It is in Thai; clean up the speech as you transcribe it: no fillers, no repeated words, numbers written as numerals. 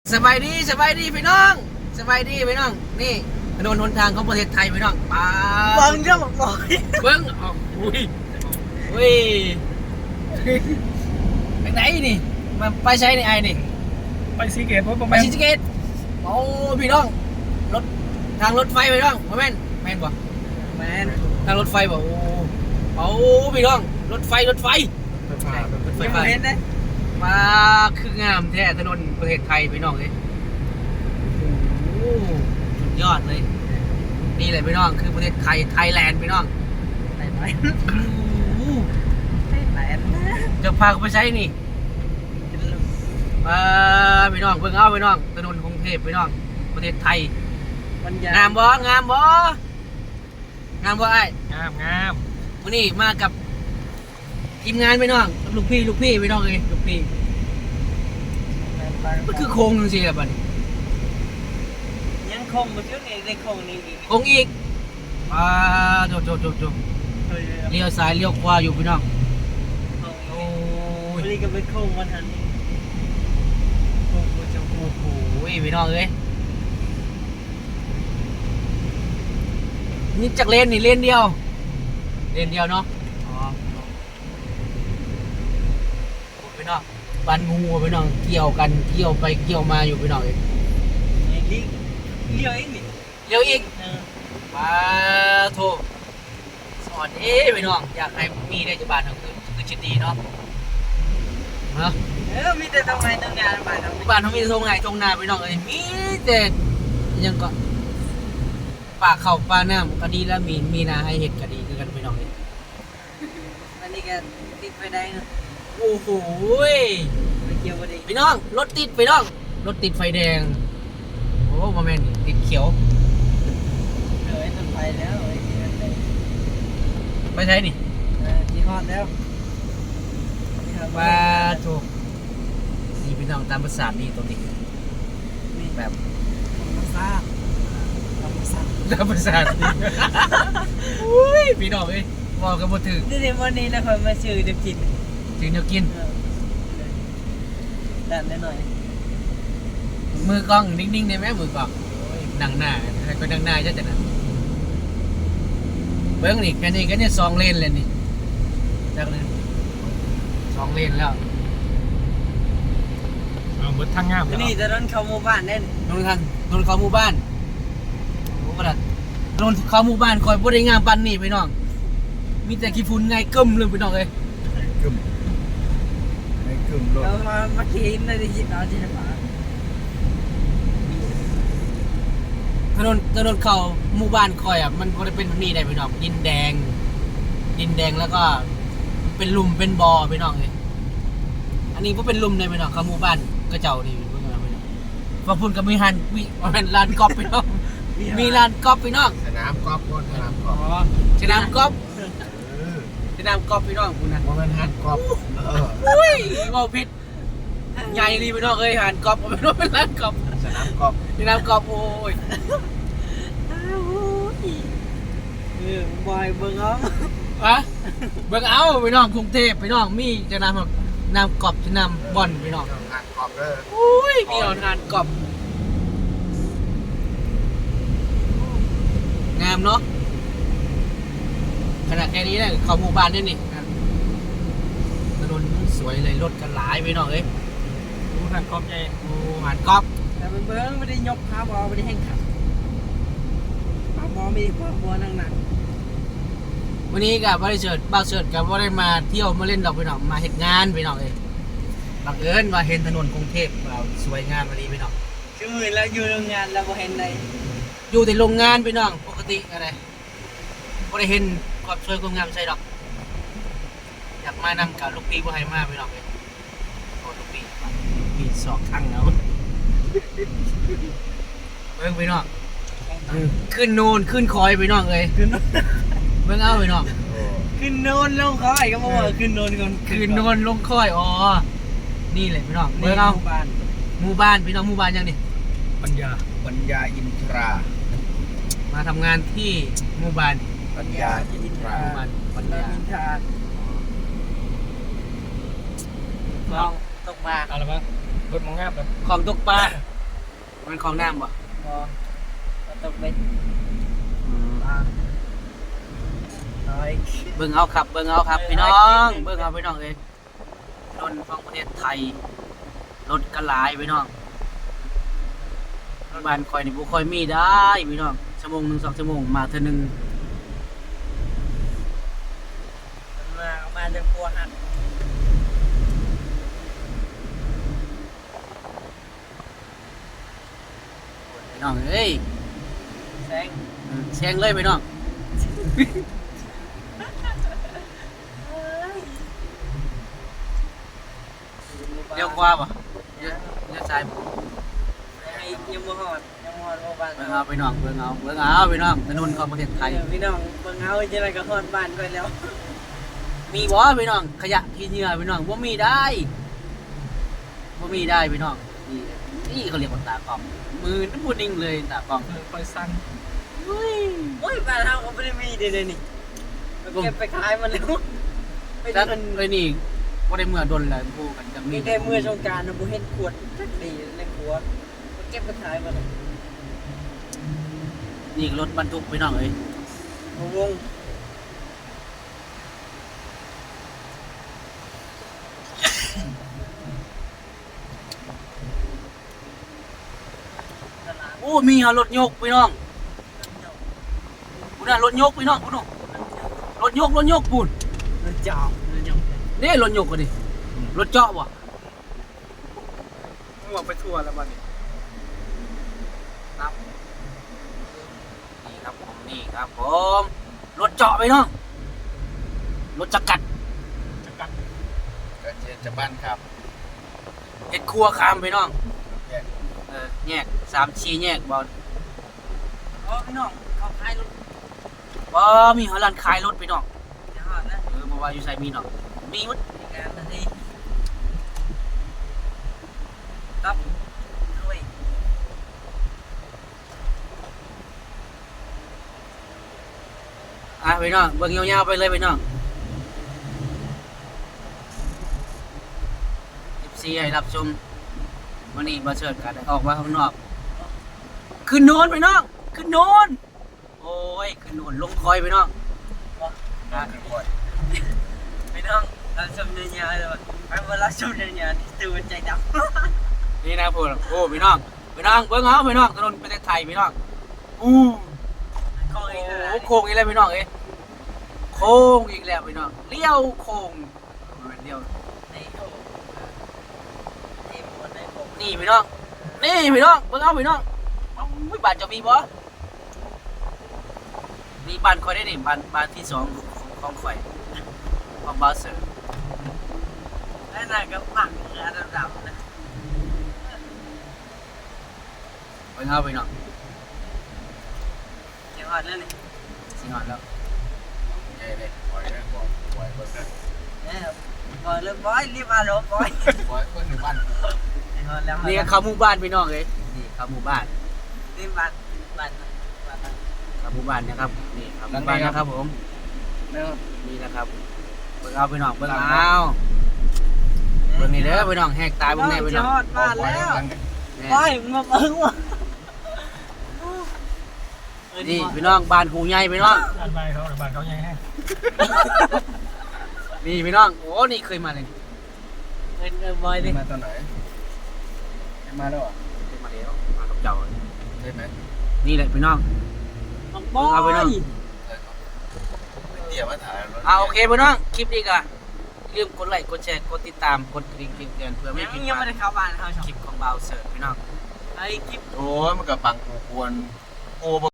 สบายดีพี่น้องสบายดีพี่น้องนี่ถนนหนทางของประเทศไทยพี่น้องป้าเบิ้งเจ้าบอกบ่อยเบิ้งออกอุ้ยไปไหนนี่มาไปใช้ในไอ้นี่ไปซีเกตเพราะไปชิจิเกตโอ้พี่น้องรถทางรถไฟพี่น้องแม่นบ่แมนทางรถไฟบ่โอ้พี่น้องรถไฟยังบ่เห็นนะมาคืองามแท้ถนนประเทศไทยพี่น้องเลยโอ้สุดยอดเลยนี่เลยพี่น้องคือประเทศไทยไทยแลนด์พี่น้องไหนไหนโอ้ไหนจะพาเขาไปใช้นี่พี่น้องเพิ่งเอาพี่น้องถนนกรุงเทพพี่น้องประเทศไทยมันยงามบ่ไอ้งามวันนี้มากับทีมงานพี่น้องลูกพี่พี่น้องเลยลูกพี่มันคือโค้งจริงๆแบบนี้ยังคงมาเชื่อในในคงนี้อีกโค้งอีกโจเลี้ยวซ้ายเลี้ยวขวาอยู่พี่น้องโอ้ยวันนี้ก็ไปคงวันทันนี้คงจะโอ้โหพี่น้องเอ้ยนี่จากเลนนี่เลนเดียวเนาะอ๋อพี่น้องบ้านงูพี่น้องเกี่ยวกันเกี่ยวไปเกี่ยวมาอยู่พี่น้องเอ้ยเลี้ยวเองนี่เลี้ยวอีกมาโทสอนพี่น้องอยากให้มีได้จะบ้านทั้งคือชิดดีเนาะเนาะมีแต่ทำไมต้องงานบ้านเราบ้านเขามีตรงไหนตรงนาพี่น้องเอ้ยมีแต่ยังก็ป่าเขาป่าน้ำก็ดีแล้วมีนาให้เห็ดก็ดีคือกันพี่น้องเอ้ยวันนี้ก็ติดไฟแดงนะโอ้โหไปเกี่ยวพอดีพี่น้องรถติดพี่น้องรถติดไฟแดงโอ้มาแม่นติดเขียวต้องไปแล้วไอ้ที่นั่นเลยไปใช้นี่ที่ฮอดแล้วมาถูกนี่พี่น้องตามภาษาดีตัวนี้นี่แบบมาซ่ามาซ่าตามภาษาดีอุ้ยพี่น้องเอ้ยบอกกันบ่ถึงนี่วันนี้นะคนมาชื่อเด็กกินจึงจะกินดันได้หน่อยมือกล้องนิ่งๆได้ไหมมือกล้องดังหน้าให้คนดังหน้าจะนะเบิ้งนี่แค่นี้สองเลนเลยนี่จากเลยสองเลนแล้วเอาหมดทางงามนี่จะนั่นเข้าหมู่บ้านเน่นถนนเขาหมู่บ้านโอ้กระดาษถนนเขาหมู่บ้านคอยบ่ได้งามปันนี่พี่น้องมีแต่ขี้ฝุ่นไงกึ้มเลยพี่น้องเอ้ยกึ่มไอ้กึ่มรถเรามาขี่ในดิจิตอลที่ไหนมาถนนเขาหมู่บ้านคอยอ่ะมันบ่ได้เป็นแบบนี้ได้พี่น้องดินแดงแล้วก็เป็นหลุมเป็นบ่อพี่น้องเอ้ยอันนี้บ่เป็นหลุมเลยพี่น้องเขาหมู่บ้านกระเจ้านี่เพิ่นว่าพี่น้องว่าพุ่นก็มีหันวิมันลานกอล์ฟพี่น้องมีลานกอล์ฟพี่น้องสนามกอล์ฟบนสนามกออ๋ล์อฟสนามกอล์ฟเออสนามกอล์ฟพี่น้องพุ่นน่ะว่ามันฮัดกอล์ฟเอออุ้ยเว้าผิดใหญ่ลีพี่น้องเอ้ยหันกอล์ฟเอาเป็นว่าเป็นลานกอล์ฟสนามกอล์ฟสนามกอล์ฟโอ้ยบอยเบิ้งอ้อมอะเบิ่งเอาพี่น้องกรุงเทพพี่น้องมีจะนำกอล์ฟจะนำบอลพี่น้องฮัดกอล์ฟเด้ออุ้ยพี่น้องงานกอล์ฟงามเนาะขนาดแค่นี้เนี่ยเขาหมู่บ้านนี่นี่ถนนสวยเลยรถกันหลายพี่น้องเอ้ยดูหันกอบใหญ่โอ้หันกอล์ฟแต่มันเบิ้งไม่ได้ยกขาบอลไม่ได้แห้งขับขาบอลมีความบอลหนักวันนี้กับบริษัทบ้าเสิร์ตกับว่าได้มาเที่ยวมาเล่นดอกพี่น้องมาเห็นงานพี่น้องเอ้ยบังเอิญว่าเห็นถนนกรุงเทพสวยงามมาดีพี่น้องชื่อแล้วอยู่โรงงานเราบ่เห็นใดอยู่ในโรงงานพี่น้องปกติอะไรบ่ได้เห็นความสวยความงามใช่ดอกอยากมานำกับลูกปีบ่ให้มาพี่น้องเอ้ยโอ้ลูกปีสอกทั้งเอาเบิ่งพี่น้องขึ้นนูนขึ้นคอยพี่น้องเอ้ยขึ้นเบิ่งเอาพี่น้องโอ้ขึ้นโนนลงเขาไอ้ก็บอกว่าขึ้นโนนก่อนขึ้นนูนลงคอยอ๋อนี่เลยพี่น้องเบิ่งเอาบ้านหมู่บ้านพี่น้องหมู่บ้านยังนี่ปัญญาอินทรามาทำงานที่หมู่บ้านปัญญาอินทราหมู่บ้านปัญเราญามินทาลองตกปลาอะไรบ้างรถมองงามแบบของตกปลามันของน้ำบ่บ่ก็ต้องเป็นอืมน้อยเบิ่งเอาครับเบิ่งเอาครับพี่น้องเบิ่งเอาพี่น้องเอ้ยรถของประเทศไทยรถกระหลายพี่น้องบ้านคอยนี่บ่ค่อยมีได้พี่น้องชั่วโมงหนึง2ชั่วโมงมาเทื่อนึงมาจะกลัวหักพี่น้องเอ้ยแซงแซงเลยพี่น้องเลี้ยวขวาบ่เลี้ยวซ้ายบ่ยังบ่ฮอดบ่บ้านเบิ่งเอาพี่น้องเบิ่งเอาพี่น้องถนนของประเทศไทยพี่น้องเบิ่งเอาจังได๋ก็ฮอดบ้านไปแล้วมีบ่พี่น้องขยะขี้เหงื่อพี่น้องบ่มีได้พี่น้องนี่เขาเรียกว่าตากล้องมือน้ำพูดนิ่งเลยตากล้องคอยสั่นโอ้ยบ้านเฮาก็บ่ได้มีเด้นี่เก็บไปขายมันแล้วไปถ้าเดินเลยนี่บ่ได้เมื่อดนเลยพูดกันจะมีแต่เมื่อสงกรานต์น่ะบ่เห็นขวดจักดีในครัวเก็บไปขายมันนี่รถบรรทุกพี่น้องเอ้ยวงตลาดโอ้มีหารถยกพี่น้องพุ่นน่ะรถยกพี่น้องพุ่นน่ะรถยกพุ่นมันเจาะมันยกนี่รถยกก็ดิรถเจาะบ่มั่วไปทั่วแล้วบ้านนี้ครับนี่ครับผมรถเจาะพี่น้องรถจักรัดก็จะบ้านครับเฮ็ดครัวคามพี่น้องแยกแยก3-4แยกบ่อ๋อพี่น้องเขาขายรถบ่มีร้านขายรถพี่น้องจะฮอดนะบ่ว่าอยู่ไสมีเนาะมีหมดมีงานนาทีครับด้วยพี่น้องเบิ่งยาวๆไปเลยพี่น้อง14ให้รับชมวันนี้บ่เชิญกันได้ออกมาข้างนอกขึ้นโนนพี่น้องขึ้นโนนโอ้ยขึ้นโนนลงคอยพี่น้องบ้านคอยพี่น้องเราชมเนื้อเลยว่ะไปเวลาชมเนื้อนี่ตื่นใจดำนี่นะพวกโอ้พี่น้องเบิ่งเอาพี่น้องถนนประเทศไทยพี่น้องอู้โค้งอีกแล้วโอ้โค้งอีกแล้วพี่น้องเอ้ยโค้งอีกแล้วพี่น้องเลี้ยวโค้งเลี้ยวในโค้งนี่บนในโค้งนี่พี่น้องนี่พี่น้องเบิ่งเอาพี่น้องอุ้ยบ้านจะมีบ่นี่บ้านคอยได้นี่บ้านที่สองของข่อยของบาเซอร์แล้วน่ะก็ปักเนื้อดำๆนะเบิ่งเอาพี่น้องเดี๋ยวฮอดแล้วนี่สิงหอนแล้วเย่เลยคอยได้บอกคอยเบิ่งนะเนี่ยบอยเลยบอยรีบมาลบบอยคอยเบิ่งในบ้านเดี๋ยวฮอดแล้วนี่ก็เข้าหมู่บ้านพี่น้องเอ้ยนี่เข้าหมู่บ้านนี่บ้านเข้าหมู่บ้านนะครับนี่เข้าหมู่บ้านนะครับผมนะครับนี่นะครับเบิ่งเอาพี่น้องเบิ่งเอาเบิ่งนี่เด้อพี่น้องแหกตาเบิ่งแน่พี่น้องฮอดบ้านแล้วแน่บอยมาเบิ่งว่ะนี่พี่น้องบ้านหูใหญ่พี่น้องบ้านเขาใหญ่แฮะนี่พี่น้องโอ้นี่เคยมาเลยบอยดิมาตอนไหนมาแล้วอ่ะเคยมาแล้วมากับเจ้าใช่ไหมนี่แหละพี่น้องบอยเอาไปน้องเดี๋ยวมาถ่ายรถโอเคพี่น้องคลิปนี้ก็อย่าลืมกดไลค์กดแชร์กดติดตามกดกระดิ่งแจ้งเตือนเพื่อไม่ผิดพยังลาไม่ดได้เข้าบ้านเขาชอบคลิปของเบาเสิร์ฟพี่น้องไอ้คลิปโอ้ยมันกับปังกูควรโอ้